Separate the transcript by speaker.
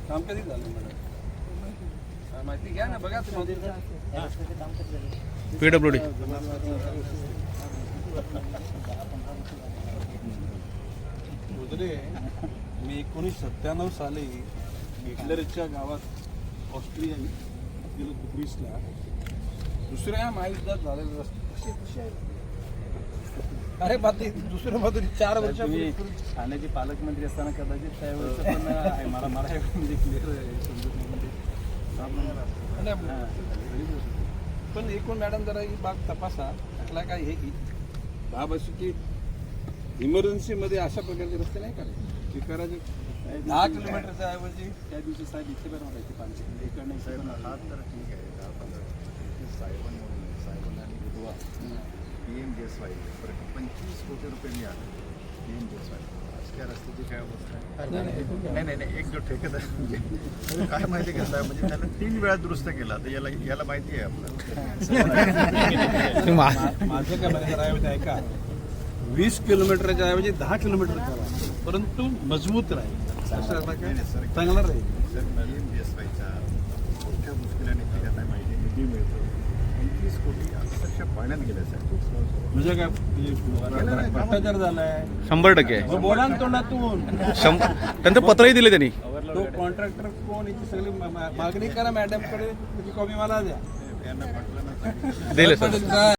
Speaker 1: काम कधी झालं मला माहिती घ्या ना, बघा तुम्ही
Speaker 2: PWD
Speaker 1: मी 1997 साली हिटलरच्या गावात ऑस्ट्रिया गेलो ग्रीसला. दुसऱ्या महायुद्धात झालेलं रस्ते. अरे बाकी दुसऱ्या बाजूने 4 वर्षापूर्वी
Speaker 3: ठाण्याचे पालकमंत्री असताना कदाचित त्यावेळेस पण आहे. मला म्हणजे क्लिअर समजत नाही.
Speaker 1: पण एकूण मॅडम जरा ही बाग तपासा. त्याला काय हे की बाब अशी की इमर्जन्सीमध्ये अशा प्रकारचे रस्ते नाही करायचे. ते करायचे 10 किलोमीटरच्या ऐवजी
Speaker 3: त्या दिवशी साहेब इथे पण म्हणायचे पाणी इकडनं साहेब हा तर ठीक आहे. 10-15 साहेबांना आणि विधवा PMGSY 25 कोटी रुपये मिळाले. PMGSY त्या रस्त्याची काय अवस्था आहे? नाही एक जो ठेकेदार म्हणजे काय माहिती घेतला म्हणजे त्याला 3 वेळा दुरुस्त केला. तर याला माहिती आहे आपल्याला.
Speaker 1: माझं काय म्हणायचं ऐवजी ऐका, 20 किलोमीटरच्या ऐवजी 10 किलोमीटर करा, परंतु मजबूत राहील. चांगला राहील.
Speaker 3: सर PMGSYच्या मोठ्या मुश्किलाने त्यांना माहिती निधी मिळतो. 25 कोटी अक्षरशः पाण्यात गेल्या साहेब.
Speaker 1: म्हणजे काय भ्रष्टाचार झालाय
Speaker 2: 100%.
Speaker 1: बोला ना तोंडातून.
Speaker 2: त्यांचं पत्रही दिले त्यांनी.
Speaker 1: तो कॉन्ट्रॅक्टर कोण याची सगळी मागणी करा मॅडमकडे, त्याची कॉपी मला द्या.
Speaker 3: यांना पटलं ना
Speaker 2: दिले सर.